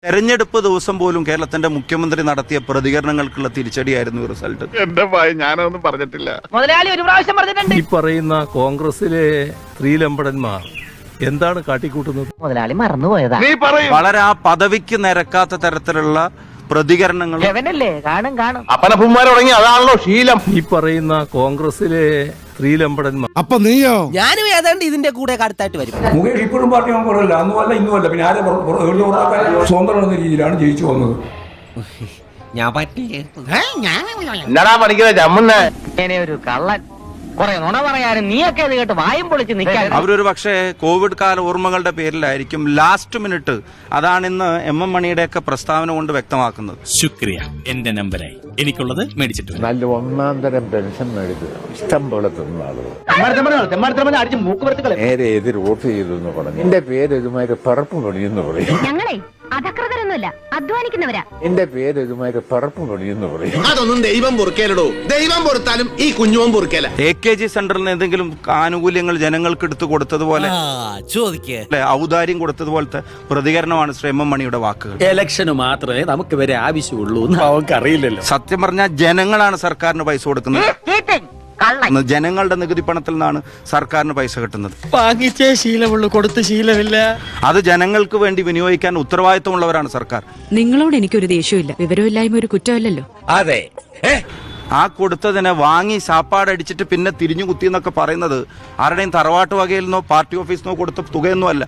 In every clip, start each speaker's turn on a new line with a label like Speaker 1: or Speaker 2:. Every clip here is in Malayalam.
Speaker 1: തെരഞ്ഞെടുപ്പ് ദിവസം പോലും കേരളത്തിന്റെ മുഖ്യമന്ത്രി നടത്തിയ പ്രതികരണങ്ങൾക്കുള്ള തിരിച്ചടിയായിരുന്നു റിസൾട്ട്.
Speaker 2: എന്റെ ഭയം ഞാനൊന്നും പറഞ്ഞിട്ടില്ല.
Speaker 3: മുതലാളി ഒരു പ്രാവശ്യം പറഞ്ഞിട്ടുണ്ട്.
Speaker 4: ഈ പറയുന്ന കോൺഗ്രസിലെ സ്ത്രീലമ്പടന്മാർ എന്താണ് കാട്ടിക്കൂട്ടുന്നത്?
Speaker 3: മുതലാളി മറന്നുപോയതാ.
Speaker 2: നീ പറയും.
Speaker 1: വളരെ ആ പദവിക്ക് നിരക്കാത്ത തരത്തിലുള്ള പ്രതികരണങ്ങൾ
Speaker 3: ലെവനല്ലേ കാണും.
Speaker 2: അപ്പനപ്പന്മാർ തുടങ്ങി അതാണല്ലോ ശീലം.
Speaker 4: ഈ പറയുന്ന കോൺഗ്രസിലെ സ്ത്രീലമ്പടന്മാർ.
Speaker 5: അപ്പൊ നീയോ?
Speaker 6: ഞാനും ഏതാണ്ട് ഇതിന്റെ കൂടെ കടുത്തായിട്ട് വരും.
Speaker 7: മുകേഷ് ഇപ്പോഴും പാർട്ടി മെമ്പറല്ല, അന്നുമല്ല ഇന്നുമല്ല, പിന്നെ ആരെ സ്വന്തം എന്ന രീതിയിലാണ് ജയിച്ചു വന്നത്.
Speaker 6: ഞാൻ പറ്റില്ലേ?
Speaker 2: എന്നടാ പണിക്കുന്ന ചമ്മുന്ന
Speaker 3: ഇങ്ങനെ ഒരു കള്ളൻ കുറെ നുണ പറയാനും നീയൊക്കെ ഇത് കേട്ട് വായും പൊളിച്ച് നിൽക്കാൻ.
Speaker 1: അവരൊരു പക്ഷേ കോവിഡ് കാല ഓർമ്മകളുടെ പേരിലായിരിക്കും ലാസ്റ്റ് മിനിറ്റ് അതാണ് ഇന്ന് എം മണിയുടെയൊക്കെ പ്രസ്താവന കൊണ്ട് വ്യക്തമാക്കുന്നത്.
Speaker 8: ശുക്രിയ, എന്റെ നമ്പരായി എനിക്കുള്ളത് മേടിച്ചിട്ടുണ്ട്.
Speaker 9: നല്ല ഒന്നാം തരം പെൻഷൻ മേടിക്കുക ഇഷ്ടം പോലെ തിന്ന ആളുകൾ നേരെ എതിർ വോട്ട് ചെയ്തു എന്ന് പറഞ്ഞു. എന്റെ പേര് ഇതുമാതിരി പറപ്പ് പണിയെന്ന് പറയും.
Speaker 10: ഞങ്ങളെ അധകൃതരൊന്നുമല്ല, അധ്വാനിക്കുന്നവരാ.
Speaker 9: എന്റെ പേര് ഇതുമാതിരി പറപ്പ് പണിയെന്ന് പറയും.
Speaker 11: അതൊന്നും ദൈവം പൊറുക്കേലടോ. ദൈവം പൊറുത്താലും ഈ കുഞ്ഞുവും പൊറുക്കേല.
Speaker 1: AKG സെന്ററിൽ നിന്ന് എന്തെങ്കിലും ആനുകൂല്യങ്ങൾ ജനങ്ങൾക്ക് എടുത്തു കൊടുത്തതുപോലെ ഔദാര്യം കൊടുത്തതുപോലത്തെ പ്രതികരണമാണ് ശ്രീ എം മണിയുടെ വാക്കുകൾ.
Speaker 8: ഇലക്ഷന് മാത്രമേ നമുക്ക് വരെ ആവശ്യമുള്ളൂ എന്ന് അവർക്ക് അറിയില്ലല്ലോ.
Speaker 1: സത്യം പറഞ്ഞാൽ ജനങ്ങളാണ് സർക്കാരിന് പൈസ കൊടുക്കുന്നത്. ജനങ്ങളുടെ നികുതി പണത്തിൽ നിന്നാണ് സർക്കാരിന് പൈസ കിട്ടുന്നത്.
Speaker 8: വാങ്ങിച്ചേ ശീലമുള്ളൂ, കൊടുത്ത് ശീലമില്ല.
Speaker 1: അത് ജനങ്ങൾക്ക് വേണ്ടി വിനിയോഗിക്കാൻ ഉത്തരവാദിത്തമുള്ളവരാണ് സർക്കാർ.
Speaker 10: നിങ്ങളോട് എനിക്കൊരു ദേഷ്യമില്ല. വിവരമില്ലായ്മ ഒരു കുറ്റമല്ലല്ലോ.
Speaker 8: അതെ,
Speaker 1: ആ കൊടുത്തതിനെ വാങ്ങി സാപ്പാടടിച്ചിട്ട് പിന്നെ തിരിഞ്ഞു കുത്തി എന്നൊക്കെ പറയുന്നത് ആരുടെയും തറവാട്ട് വകയിൽ നിന്നോ പാർട്ടി ഓഫീസിൽ നിന്നോ കൊടുത്ത തുകയൊന്നും അല്ല.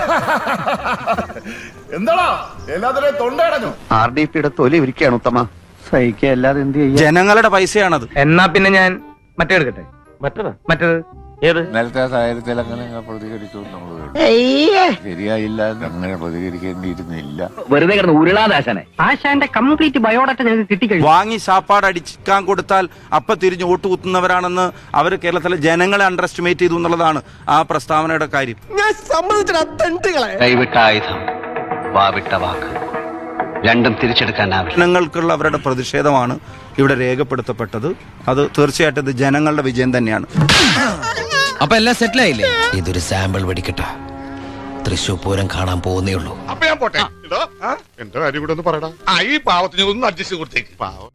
Speaker 2: എന്താടാ എല്ലാത്തിനെയും തൊണ്ടടഞ്ഞു.
Speaker 11: RDPയുടെ തൊലി ഇരിക്കുകയാണ് ഉത്തമ. സഹിക്കല്ലാതെ എന്ത് ചെയ്യും?
Speaker 1: ജനങ്ങളുടെ പൈസയാണത്.
Speaker 3: എന്നാ പിന്നെ ഞാൻ മറ്റേ എടുക്കട്ടെ. മറ്റേത് ഏത്?
Speaker 9: നേരത്തെ സാഹചര്യത്തിൽ അങ്ങനെ പ്രതികരിച്ചു നമ്മൾ ശരിയായില്ല, അങ്ങനെ പ്രതികരിക്കേണ്ടിയിരുന്നില്ല.
Speaker 3: വെറുതെ കിടന്ന് ഉരുളാദാശനെ. ആശാന്റെ കംപ്ലീറ്റ് ബയോഡാറ്റ ഞങ്ങൾക്ക് കിട്ടിക്കഴിഞ്ഞു.
Speaker 1: വാങ്ങി സാപ്പാട് അടിക്കാൻ കൊടുത്താൽ അപ്പൊ തിരിഞ്ഞു വോട്ട് കുത്തുന്നവരാണെന്ന് അവർ കേരളത്തിലെ ജനങ്ങളെ അണ്ടർ എസ്റ്റിമേറ്റ് ചെയ്തു എന്നുള്ളതാണ് ആ പ്രസ്താവനയുടെ കാര്യം.
Speaker 11: കൈവിട്ട ആയുധം, വാവിട്ട വാക്ക്, രണ്ടും തിരിച്ചെടുക്കാനാവില്ല.
Speaker 1: ജനങ്ങൾക്കുള്ള അവരുടെ പ്രതിഷേധമാണ് ഇവിടെ രേഖപ്പെടുത്തപ്പെട്ടത്. അത് തീർച്ചയായിട്ടും ഇത് ജനങ്ങളുടെ വിജയം തന്നെയാണ്.
Speaker 6: അപ്പൊ എല്ലാം സെറ്റിൽ ആയില്ലേ? ഇതൊരു സാമ്പിൾ വെടിക്കട്ട. തൃശൂർ പൂരം കാണാൻ പോകുന്നേ ഉള്ളൂ.
Speaker 2: അപ്പൊ ഞാൻ പോട്ടെ. എന്റെ കാര്യം കൂടെ ഒന്ന് പറയടാ. ഈ പാവത്തിന് ഒന്ന് അഡ്ജസ്റ്റ് കൊടുത്തേക്ക്. പാവം.